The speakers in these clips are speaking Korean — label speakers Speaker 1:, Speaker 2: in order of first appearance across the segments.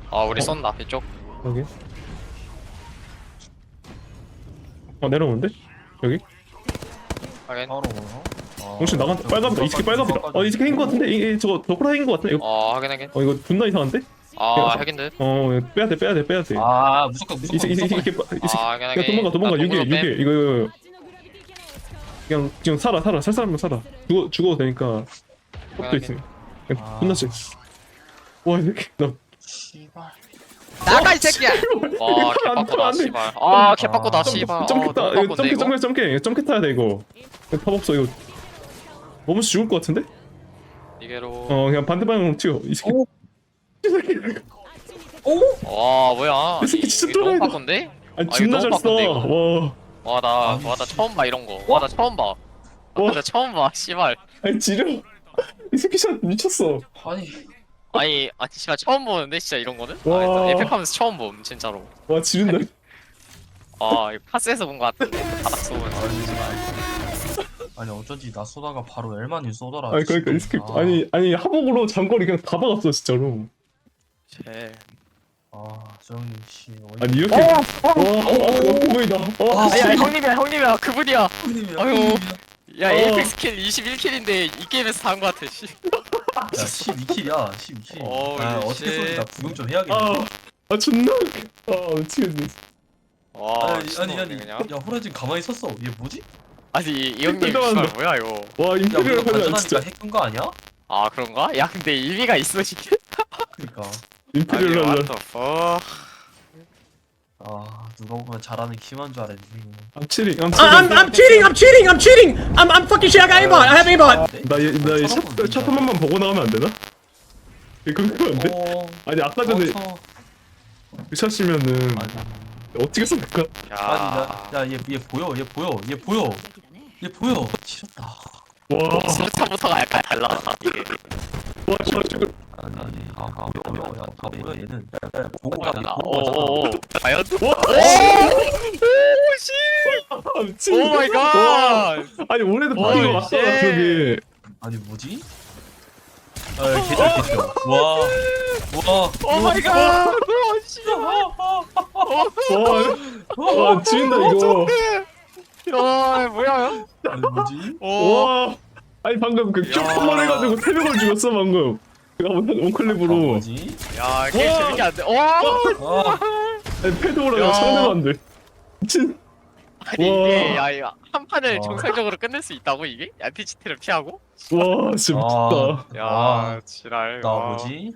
Speaker 1: 우리 쏜다 이쪽.
Speaker 2: 여기. 내려오는데? 여기?
Speaker 1: 확인.
Speaker 3: 바로 뭐야?
Speaker 2: 혹시 나간 빨간다. 이 새끼 빨간다. 이 새끼 핵인 것 같은데? 저거 호라 핵인 것 같은데? 이거
Speaker 1: 확인.
Speaker 2: 이거 존나 이상한데?
Speaker 1: 핵인 듯.
Speaker 2: 빼야 돼.
Speaker 3: 무조건
Speaker 2: 이 새끼
Speaker 1: 확인.
Speaker 2: 그냥 도망가. 6일 이거 그냥 지금 살아. 살 사람은 살아. 죽어도 되니까. 것도 있으면. 그냥 존나 쎄. 와이 새끼 나.
Speaker 3: 씨발.
Speaker 1: 나가 이 새끼야. 개빡고다 씨발. 개빡고다 씨발.
Speaker 2: 점프 타야 돼 이거. 팝 없어 이거. 너무 죽을 것 같은데?
Speaker 1: 이게로.
Speaker 2: 그냥 반대 방향으로 튀어. 이 새끼.
Speaker 1: 와 뭐야.
Speaker 2: 이 새끼 진짜
Speaker 1: 이거 너무
Speaker 2: 또라이다.
Speaker 1: 바꾼데?
Speaker 2: 아니 존나
Speaker 1: 너무
Speaker 2: 잘 써.
Speaker 1: 바쁜데, 이거?
Speaker 2: 와.
Speaker 1: 나 처음 봐 이런 거. 나 처음 봐. 나 처음 봐 씨발.
Speaker 2: 아니 지려. 이 새끼 샷 미쳤어.
Speaker 3: 아니
Speaker 1: 아니 씨발 처음 보는데 진짜 이런 거는?
Speaker 2: 와.
Speaker 1: 에펙하면서 처음 봄 진짜로.
Speaker 2: 와 지른다.
Speaker 1: 이거 파스에서 본 거 같은데 바닥 쏘면.
Speaker 3: 아니 어쩐지 나 쏘다가 바로 엘만이 쏘더라.
Speaker 2: 아니 그러니까 이 새끼 아니 하복으로 장거리 그냥 다 박았어 진짜로.
Speaker 1: 쟤.
Speaker 3: 저형님 씨.
Speaker 2: 아니 이렇게. 와 보이다.
Speaker 1: 야 형님이야 그분이야.
Speaker 3: 형님이야.
Speaker 1: 아유. 야 에이펙 스킬 21킬인데 이 게임에서 다 한 거 같아 씨.
Speaker 3: 야 12킬이야. 12킬. 어떻게 쏘는지 나 구경 좀 해야겠네.
Speaker 2: 존나 웃겨. 미치겠네.
Speaker 3: 아니
Speaker 1: 그냥.
Speaker 3: 야 호라진 가만히 섰어. 얘 뭐지?
Speaker 1: 아니 이 형님
Speaker 2: 대단하다.
Speaker 1: 씨발 뭐야 이거.
Speaker 2: 와
Speaker 3: 야
Speaker 2: 임페리얼
Speaker 3: 우리가
Speaker 2: 하냐 진짜.
Speaker 3: 발전하니까 핵인 거 아니야?
Speaker 1: 그런가? 야 근데 의미가 있어 이게.
Speaker 3: 그니까.
Speaker 2: 임페리얼 하냐.
Speaker 1: what the fuck.
Speaker 3: 누가 보면 잘하는 키만 줄 알았지.
Speaker 2: I'm cheating.
Speaker 4: I'm cheating. I'm fucking shit. I got aimbot. I have aimbot.
Speaker 2: 나샷 한 번만 보고 나가면 안 되나? 이거 궁금한데? 아니 아까 전에 그 샷이면은 어떻게 쏠까?
Speaker 3: 아니 얘 보여. 지렸다.
Speaker 2: 와.
Speaker 1: 수류탄부터가 약간 달라 이게.
Speaker 2: 와 지금.
Speaker 3: 보여 얘는. 보고 가잖아.
Speaker 1: 과연?
Speaker 2: 미친.
Speaker 1: 오 마이 갓.
Speaker 2: 아니 올해도 바뀐 거 맞다 저기.
Speaker 3: 아니 뭐지? 개쩔. 와.
Speaker 1: 오 마이 갓.
Speaker 2: 와 지린다 이거.
Speaker 1: 뭐야?
Speaker 3: 아니 뭐지?
Speaker 2: 와. 아니 방금 그 큐퍼만 해가지고 3명을 죽였어 방금. 내가 못한 원클립으로.
Speaker 3: 뭐지?
Speaker 1: 야 게임 재밌게 안 돼.
Speaker 2: 아니 패드오라가 상대가 안 돼. 미친.
Speaker 1: 아니 이게 이거 한 판을 정상적으로 끝낼 수 있다고 이게? 안티치트를 피하고?
Speaker 2: 와 진짜 미쳤다.
Speaker 1: 지랄.
Speaker 3: 나 뭐지?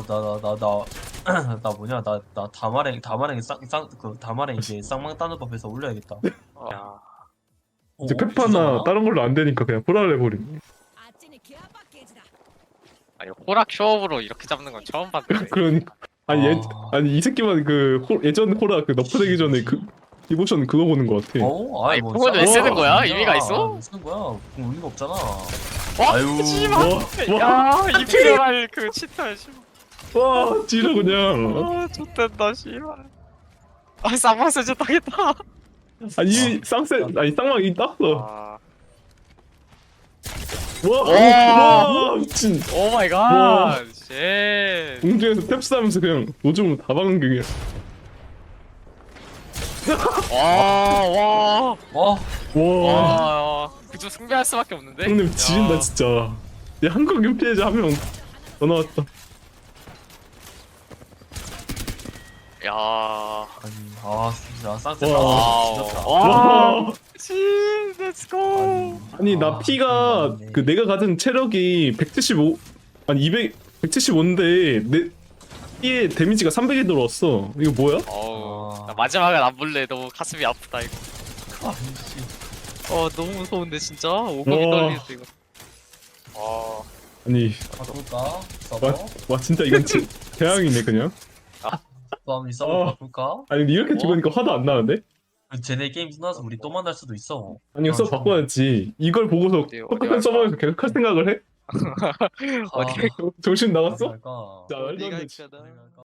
Speaker 3: 나 뭐냐? 나 다마랭 이제 쌍망 따는 법에서 올려야겠다.
Speaker 2: 이제 페파나 다른 걸로 안 되니까 그냥 호라를 해버림.
Speaker 1: 아니 호락 쇼업으로 이렇게 잡는 건 처음 봤는데.
Speaker 2: 그러니까 아니 이 새끼만 예전 호라 너프되기 전에 디보션 그거 보는 거 같아.
Speaker 1: 아니 그걸 왜 쓰는 거야? 의미가 있어?
Speaker 3: 왜 쓰는 거야? 그럼 의미가 없잖아.
Speaker 1: 씨발. 야 이피셜할 그 치트할 씨발.
Speaker 2: 와 지려 그냥.
Speaker 1: 좋댄다 씨발. 쌍방세 좋다겠다.
Speaker 2: 아니 쌍망 이 땄어. 와 미친.
Speaker 1: 오 마이 갓. 쉣.
Speaker 2: 공중에서 탭스 하면서 그냥 노점으로 다 박은 게 그냥. 와.
Speaker 1: 그저 승리할 수밖에 없는데.
Speaker 2: 형님 지린다 진짜. 얘 한국인 피해자 한 명 더 나왔다.
Speaker 1: 야.
Speaker 3: 아니 진짜 쌍세 지렸다.
Speaker 2: 와.
Speaker 1: 렛츠고.
Speaker 2: 아니 나 피가 내가 가진 체력이 175 아니 175인데 내 피에 데미지가 300이 들어왔어. 이거 뭐야?
Speaker 1: 나 마지막엔 안 볼래. 너무 가슴이 아프다 이거.
Speaker 3: 아니
Speaker 1: 너무 무서운데 진짜. 오금이 떨리겠어 이거.
Speaker 2: 아니
Speaker 3: 바꿀까?
Speaker 2: 와 진짜 이건 재앙이네 그냥.
Speaker 3: 한번 바꿀까?
Speaker 2: 아니 이렇게 죽으니까 화도 안 나는데?
Speaker 3: 쟤네 게임 끝나서 우리 또 만날 수도 있어.
Speaker 2: 아니 써 바꿔야지. 이걸 보고서 똑같은 서버에서 계속 할 생각을 해?
Speaker 1: 어디
Speaker 2: 정신 나갔어?
Speaker 3: 갈까?
Speaker 2: 자 말도 안 돼.
Speaker 1: 어디가 있잖아.